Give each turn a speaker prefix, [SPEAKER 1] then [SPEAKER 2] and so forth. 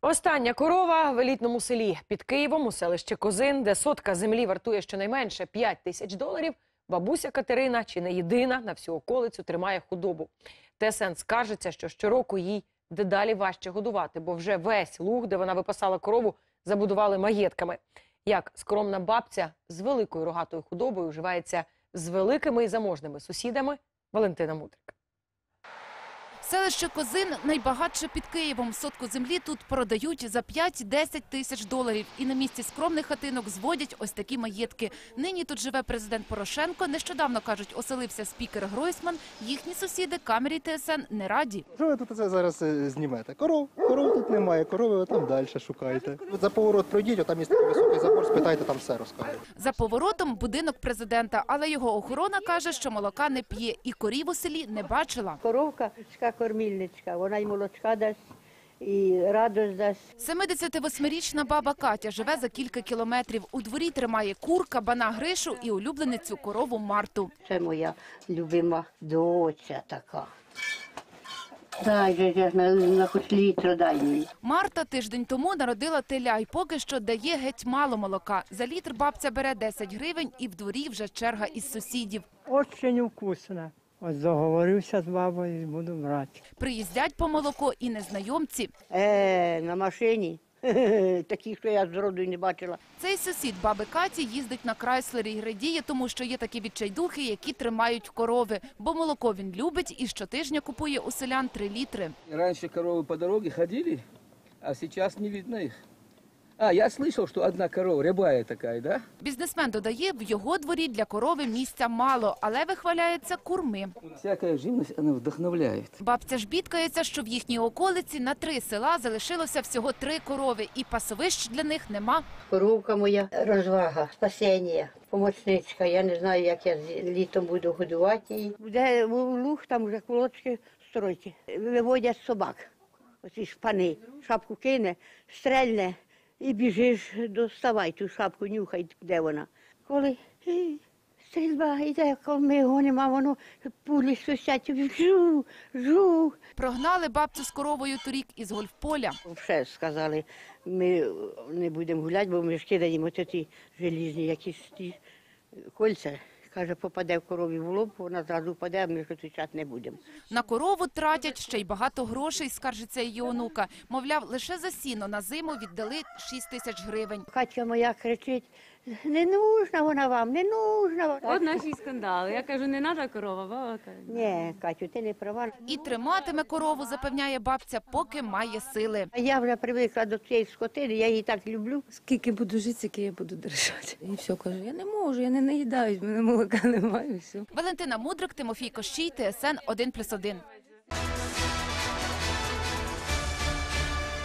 [SPEAKER 1] Остання корова в елітному селі під Києвом у селищі Козин, де сотка землі вартує щонайменше 5 тисяч доларів, бабуся Катерина, чи не єдина, на всю околицю тримає худобу. ТСН скаржиться, що щороку їй дедалі важче годувати, бо вже весь луг, де вона випасала корову, забудували маєтками. Як скромна бабця з великою рогатою худобою вживається з великими і заможними сусідами, Валентина Мудрик.
[SPEAKER 2] Селище Козин найбагатше під Києвом. Сотку землі тут продають за 5-10 тисяч доларів. І на місці скромних хатинок зводять ось такі маєтки. Нині тут живе президент Порошенко. Нещодавно, кажуть, оселився спікер Гройсман. Їхні сусіди камері ТСН не раді.
[SPEAKER 3] Що ви тут це зараз знімете? Коров тут немає, корови там далі шукайте. За поворот пройдіть, там є такий високий забор, спитайте, там все розкажуть.
[SPEAKER 2] За поворотом будинок президента, але його охорона каже, що молока не п'є і корів у селі не бачила.
[SPEAKER 4] Коровка, кормільничка, вона й молочка дасть, і радость дасть.
[SPEAKER 2] 78-річна баба Катя живе за кілька кілометрів. У дворі тримає кур, кабана Гришу і улюбленицю корову Марту.
[SPEAKER 4] Це моя любима доча така. Дай, на хоч літр дай мені.
[SPEAKER 2] Марта тиждень тому народила теля і поки що дає геть мало молока. За літр бабця бере 10 гривень і в дворі вже черга із сусідів.
[SPEAKER 5] Очень вкусно. Ось договорився з бабою і буду брати.
[SPEAKER 2] Приїздять по молоко і незнайомці.
[SPEAKER 4] На машині. Такі, що я зроду й не бачила.
[SPEAKER 2] Цей сусід баби Каті їздить на Крайслері і радіє, тому що є такі відчайдухи, які тримають корови. Бо молоко він любить і щотижня купує у селян 3 літри.
[SPEAKER 6] Раньше коровы по дороге ходили, а сейчас не видно их. Я слышал, что одна корова, рябая такая, да?
[SPEAKER 2] Бізнесмен додає, в його дворі для корови місця мало, але вихваляється курми.
[SPEAKER 6] Всякая живность, она вдохновляет.
[SPEAKER 2] Бабця ж бідкається, що в їхній околиці на 3 села залишилося всього 3 корови, і пасовищ для них нема.
[SPEAKER 4] Коровка моя розвага, спасіння, помічничка. Я не знаю, як я літом буду годувати її. Де луг, там вже колодки строїть. Виводять собак, оці шпани. Шапку кине, стрельне. І біжиш, доставай ту шапку, нюхай, де вона. Коли стрільба йде, коли ми гонимо, а воно пулі свистять, жу.
[SPEAKER 2] Прогнали бабцю з коровою торік із гольфполя.
[SPEAKER 4] Вже сказали, ми не будемо гуляти, бо ми ж кидаємо ті желізні якісь ті кольця. Каже, попаде в корові в лоб, вона зразу впаде, а ми зустрічати не будемо.
[SPEAKER 2] На корову тратять ще й багато грошей, скаржиться її онука. Мовляв, лише за сіно на зиму віддали 6 тисяч гривень.
[SPEAKER 4] Катя моя кричить, не нужна вона вам, не нужна.
[SPEAKER 7] От наші скандали. Я кажу, не треба корова, баба каже.
[SPEAKER 4] Ні, Катю, ти не права.
[SPEAKER 2] І триматиме корову, запевняє бабця, поки має сили.
[SPEAKER 4] Я вже привикла до цієї скотини, я її так люблю.
[SPEAKER 7] Скільки буду жити, скільки я буду держати. І все, кажу, я не можу, я не наїдаюсь, в мене молока немає, і все.
[SPEAKER 2] Валентина Мудрик, Тимофій Кощій, ТСН 1+1.